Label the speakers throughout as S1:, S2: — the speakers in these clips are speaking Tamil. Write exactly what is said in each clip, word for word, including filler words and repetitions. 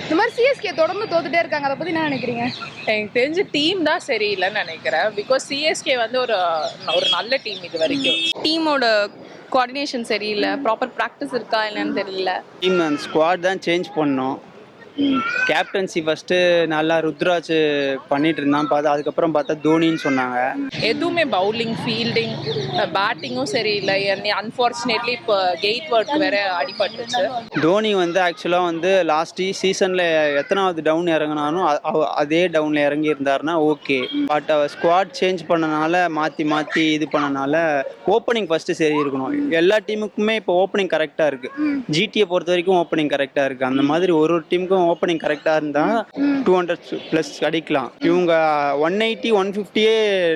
S1: இந்த மாதிரி சிஎஸ்கே தொடர்ந்து தோத்துட்டே இருக்காங்க, அதை பத்தி என்ன நினைக்கிறீங்க?
S2: எனக்கு தெரிஞ்ச டீம் தான் சரியில்லைன்னு நினைக்கிறேன். பிகாஸ் சிஎஸ்கே வந்து ஒரு ஒரு நல்ல டீம் இது வரைக்கும்.
S3: டீமோட கோஆர்டினேஷன் சரியில்லை, ப்ராப்பர் ப்ராக்டிஸ் இருக்கா என்னன்னு தெரியல.
S4: டீம் அந்த ஸ்குவாட் தான் சேஞ்ச் பண்ணோம். கேப்டன்சி ஃபர்ஸ்ட்டு நல்லா ருத்ராஜ் பண்ணிட்டு இருந்தான், பார்த்தா அதுக்கப்புறம் பார்த்தா தோனின்னு சொன்னாங்க.
S2: எதுவுமே பவுலிங், ஃபீல்டிங், பேட்டிங்கும் சரியில்லை. அன்ஃபார்ச்சுனேட்லி இப்போ கெய்ட் வேர்ட் வேற அடிபட்டுச்சு.
S4: தோனி வந்து ஆக்சுவலாக வந்து லாஸ்ட் சீசனில் எத்தனாவது டவுன் இறங்கினாலும் அதே டவுனில் இறங்கி இருந்தாருன்னா ஓகே. பட் அவர் ஸ்குவாட் சேஞ்ச் பண்ணனால மாற்றி மாற்றி இது பண்ணனால ஓப்பனிங் ஃபஸ்ட்டு சரி இருக்கணும். எல்லா டீமுக்குமே இப்போ ஓப்பனிங் கரெக்டாக இருக்குது. ஜிடியை பொறுத்த வரைக்கும் ஓப்பனிங் கரெக்டாக இருக்குது. அந்த மாதிரி ஒரு ஒரு டீமுக்கும் ஓப்பனிங் கரெக்டா இருந்தா டூ ஹண்ட்ரட் பிளஸ் அடிக்கலாம். இவங்க ஒன் எயிட்டி ஒன் பிப்டியே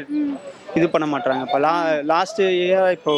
S4: இது பண்ண மாட்டாங்க. இப்போ லா லாஸ்ட் இயர் இப்போ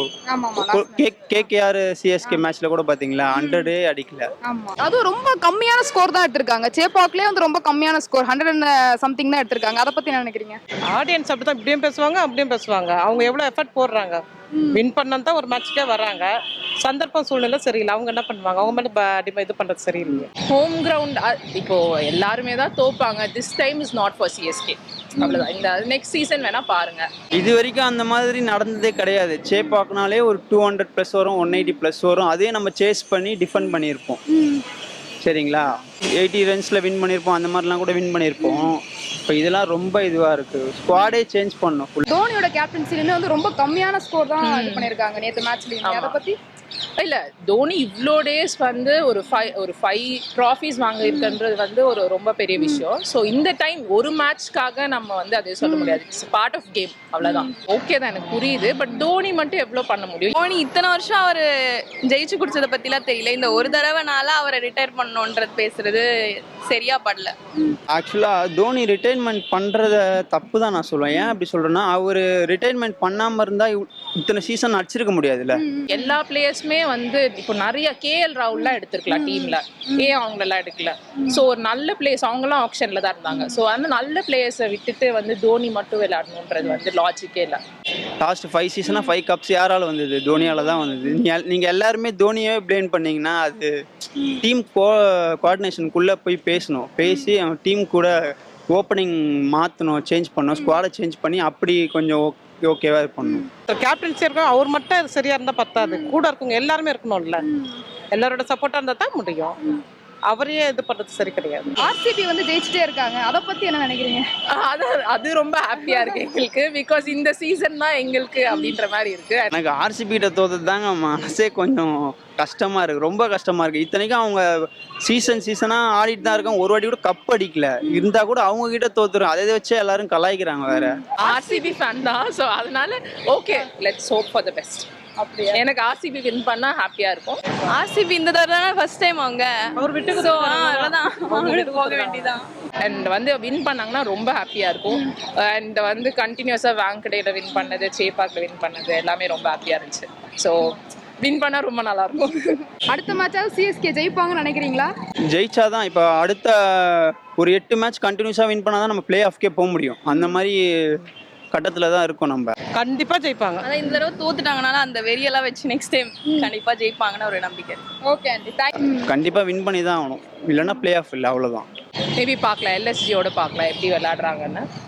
S4: கேகேஆர் சிஎஸ்கே மேட்ச்ல கூட பாத்தீங்களா ஹண்ட்ரடே அடிக்கல.
S1: அதுவும் ரொம்ப கம்மியான ஸ்கோர் தான் எடுத்திருக்காங்க. சேப்பாக்லயே வந்து ரொம்ப கம்மியான ஸ்கோர் ஹண்ட்ரட் அண்ட் சம்திங் தான் எடுத்திருக்காங்க. அதை பத்தி என்ன நினைக்கிறீங்க?
S5: ஆடியன்ஸ் அப்படிதான் இப்படியும் பேசுவாங்க அப்படியும் பேசுவாங்க. அவங்க எவ்வளவு எஃபர்ட் போடுறாங்க, வின் பண்ணதான் ஒரு மேட்ச்க்கே வராங்க. சந்தர்ப்பம் சூழ்நிலை சரியில்லை, அவங்க என்ன பண்ணுவாங்க, அவங்க மேலே இது பண்றது சரியில்லை.
S2: ஹோம் கிரவுண்ட் இப்போ எல்லாருமே தான் தோப்பாங்க. This time is not for CSK. அவ்வளோதான். இந்த நெக்ஸ்ட் சீசன் வேணா பாருங்க.
S4: இது வரைக்கும் அந்த மாதிரி நடந்ததே கிடையாது. சேப்பாக்குனாலே ஒரு டூ ஹண்ட்ரட் ப்ளஸ் வரும், ஒன் எயிட்டி ப்ளஸ் வரும். அதே நம்ம சேஸ் பண்ணி டிஃபெண்ட் பண்ணியிருப்போம். சரிங்களா, எயிட்டி ரன்ஸில் வின் பண்ணியிருப்போம், அந்த மாதிரிலாம் கூட வின் பண்ணியிருப்போம். இப்போ இதெல்லாம் ரொம்ப இதுவாக இருக்குது. ஸ்குவாடே சேஞ்ச் பண்ணணும்.
S1: தோனியோட கேப்டன்சிலுமே வந்து ரொம்ப கம்மியான ஸ்கோர் தான் இது பண்ணியிருக்காங்க நேற்று மேட்ச்லேயும். அதை பற்றி
S2: இல்லை, தோனி இவ்வளோ டேஸ் வந்து ஒரு ஃபைவ் ஒரு ஃபைவ் ட்ராஃபீஸ் வாங்கியிருக்குன்றது வந்து ஒரு ரொம்ப பெரிய விஷயம். ஸோ இந்த டைம் ஒரு மேட்ச்க்காக நம்ம வந்து அதை சொல்ல முடியாது. இட்ஸ் பார்ட் ஆஃப் கேம், அவ்வளோதான். ஓகே தான், எனக்கு புரியுது. பட் தோனி மட்டும் எவ்வளோ பண்ண முடியும்?
S3: தோனி இத்தனை வருஷம் அவர் ஜெயிச்சு குடிச்சதை பற்றிலாம் தெரியல. இந்த ஒரு தடவைனால அவரை ரிட்டையர் பண்ணணுன்றது பேசுறது சரியா படல.
S4: ஆக்சுவலாக தோனி ரிட்டைர்மெண்ட் பண்ணுறத தப்பு தான் நான் சொல்லுவேன். ஏன் அப்படி சொல்கிறேன்னா, அவர் ரிட்டைர்மெண்ட் பண்ணாமல் இருந்தால் இத்தனை சீசன் அடிச்சிருக்க முடியாதுல்ல.
S2: எல்லா பிளேயர்ஸுமே வந்து இப்போ நிறைய கேஎல் ராகுல்லாம் எடுத்திருக்கலாம் டீம்ல, ஏன் அவங்களெல்லாம் எடுக்கல? ஸோ ஒரு நல்ல பிளேயர்ஸ் அவங்களாம் ஆப்ஷன்ல தான் இருந்தாங்க. ஸோ அந்த நல்ல பிளேயர்ஸை விட்டுட்டு வந்து தோனி மட்டும் விளையாடணுன்றது வந்து லாஜிக்கே இல்லை.
S4: லாஸ்ட் ஃபைவ் சீசனாக ஃபைவ் கப்ஸ் யாரால வந்தது? தோனியால தான் வந்தது. நீங்கள் எல்லாருமே தோனியே பிளேம் பண்ணீங்கன்னா அது டீம் கோ கோஆர்டினேஷனுக்குள்ளே போய் பேசணும். பேசி அவன் டீம் கூட ஓப்பனிங் மாற்றணும், சேஞ்ச் பண்ணணும், ஸ்குவாடை சேஞ்ச் பண்ணி அப்படி கொஞ்சம் ஓகேவா பண்ணணும்.
S5: கேப்டன்சி இருக்கும், அவர் மட்டும் சரியா இருந்தா பத்தாது, கூட இருக்கவங்க எல்லாருமே இருக்கணும்ல. எல்லாரோட சப்போர்ட்டா இருந்தா தான் முடியும். அவரே இது பண்றது சரி கிடையாது.
S1: ஆர்சிபி வந்து ஜெயிச்சுட்டே இருக்காங்க, அதை பத்தி என்ன நினைக்கிறீங்க?
S2: அது அது ரொம்ப ஹாப்பியா இருக்கு எங்களுக்கு. பிகாஸ் இந்த சீசன் தான் எங்களுக்கு அப்படின்ற மாதிரி இருக்கு.
S4: எனக்கு ஆர்சிபிட்ட தோத்தது தாங்க மனசே கொஞ்சம் கஷ்டமா இருக்கு, ரொம்ப கஷ்டமா இருக்கு. இத்தனைக்கும் அவங்க சீசன் சீசனா ஆடிட்டு தான் இருக்காங்க, ஒரு வாட்டி கூட கப் அடிக்கல. இருந்தா கூட அவங்க கிட்ட தோத்துரும். அதை வச்சு எல்லாரும் கலாய்க்கிறாங்க. வேற
S2: ஆர்சிபி ஃபேன் தான். ஸோ அதனால okay, let's hope for the best. அப்படியே எனக்கு ஆர்சிபி வின் பண்ணா ஹாப்பியா இருக்கும்.
S3: ஆர்சிபி இந்த தடவை ஃபர்ஸ்ட் டைம் அவங்க
S5: அவர் விட்டு
S3: போக வேண்டியதான்.
S2: அண்ட் வந்து வின் பண்ணாங்கன்னா ரொம்ப ஹாப்பியா இருக்கும். அண்ட் வந்து கண்டினியூஸா வாங்கடையில வின் பண்ணது, சேப்பாக்ல வின் பண்ணது எல்லாமே ரொம்ப ஹாப்பியா இருந்துச்சு. ஸோ வின் பண்ணா ரொம்ப நல்லா இருக்கும்.
S1: அடுத்த மேட்சாவது சிஎஸ்கே ஜெயிப்பாங்கன்னு நினைக்கிறீங்களா?
S4: ஜெயிச்சாதான் இப்போ அடுத்த ஒரு எட்டு மேட்ச் கண்டினியூஸா வின் பண்ணாதான் நம்ம பிளே ஆஃப்கே போக முடியும். அந்த மாதிரி கட்டத்துல தான் இருக்கும். நம்ம
S5: கண்டிப்பா ஜெயிப்பாங்க.
S3: அதான் இந்த தடவை தோத்துட்டாங்கனால அந்த வெறியெல்லாம் வச்சு நெக்ஸ்ட் டைம் கண்டிப்பா ஜெயிப்பாங்கன்னு ஒரு நம்பிக்கை.
S1: Okay aunty, thank you.
S4: கண்டிப்பா வின் பண்ணி தான் ஆகணும், இல்லைன்னா பிளே ஆஃப் இல்லை, அவ்வளோதான்.
S2: மேபி பார்க்கலாம், எல்எஸ்ஜியோட பார்க்கலாம் எப்படி விளையாடுறாங்கன்னு.